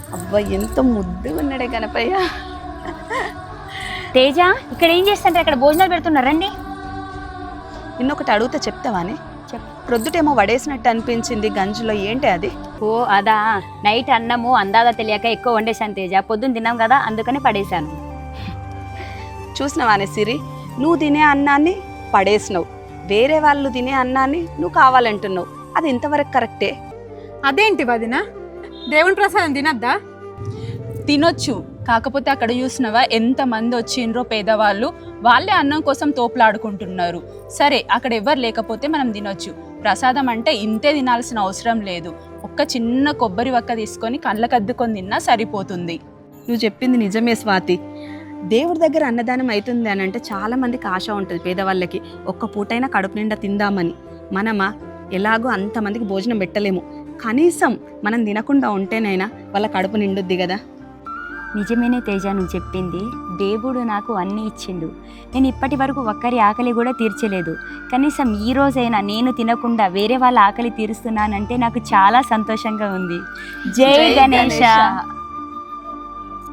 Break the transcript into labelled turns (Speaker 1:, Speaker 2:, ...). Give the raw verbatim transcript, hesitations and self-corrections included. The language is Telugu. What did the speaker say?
Speaker 1: అబ్బా ఎంత ముద్దుగా ఉన్నాడే గణపయ్య.
Speaker 2: తేజ ఇక్కడ ఏం చేస్తుంటారు? ఇక్కడ భోజనాలు పెడుతున్నారు, రండి.
Speaker 1: నిన్నొకటి అడుగుతా చెప్తావానే?
Speaker 2: చెప్పు.
Speaker 1: ప్రొద్దుటేమో వడేసినట్టు అనిపించింది గంజులో, ఏంటి అది?
Speaker 2: ఓ అదా, నైట్ అన్నము అందాదా తెలియక ఎక్కువ వండేశాను తేజ. పొద్దున్న తిన్నాం కదా, అందుకని పడేశాను.
Speaker 1: చూసినవానే సిరి, నువ్వు తినే అన్నాన్ని పడేసినావు, వేరే వాళ్ళు తినే అన్నాన్ని నువ్వు కావాలంటున్నావు. అది ఇంతవరకు కరెక్టే?
Speaker 3: అదేంటి వదిన, దేవుని ప్రసాదం తినద్దా?
Speaker 4: తినొచ్చు, కాకపోతే అక్కడ చూసినవా ఎంతమంది వచ్చిండ్రో పేదవాళ్ళు, వాళ్ళే అన్నం కోసం తోపులాడుకుంటున్నారు. సరే అక్కడ ఎవరు లేకపోతే మనం తినొచ్చు. ప్రసాదం అంటే ఇంతే తినాల్సిన అవసరం లేదు. ఒక్క చిన్న కొబ్బరి వక్క తీసుకొని కళ్ళకద్దుకొని తిన్నా సరిపోతుంది.
Speaker 1: నువ్వు చెప్పింది నిజమే స్వాతి. దేవుడి దగ్గర అన్నదానం అవుతుంది అని అంటే చాలా మందికి ఆశ ఉంటుంది పేదవాళ్ళకి, ఒక్క పూటైనా కడుపు నిండా తిందామని. మనమా ఎలాగో అంతమందికి భోజనం పెట్టలేము, కనీసం మనం తినకుండా ఉంటేనైనా వాళ్ళ కడుపు నిండుద్ది కదా.
Speaker 2: నిజమేనే తేజ నువ్వు చెప్పింది. దేవుడు నాకు అన్నీ ఇచ్చిండు. నేను ఇప్పటి వరకు ఒక్కరి ఆకలి కూడా తీర్చలేదు. కనీసం ఈ రోజైనా నేను తినకుండా వేరే వాళ్ళ ఆకలి తీరుస్తున్నానంటే నాకు చాలా సంతోషంగా ఉంది. జై గణేశ.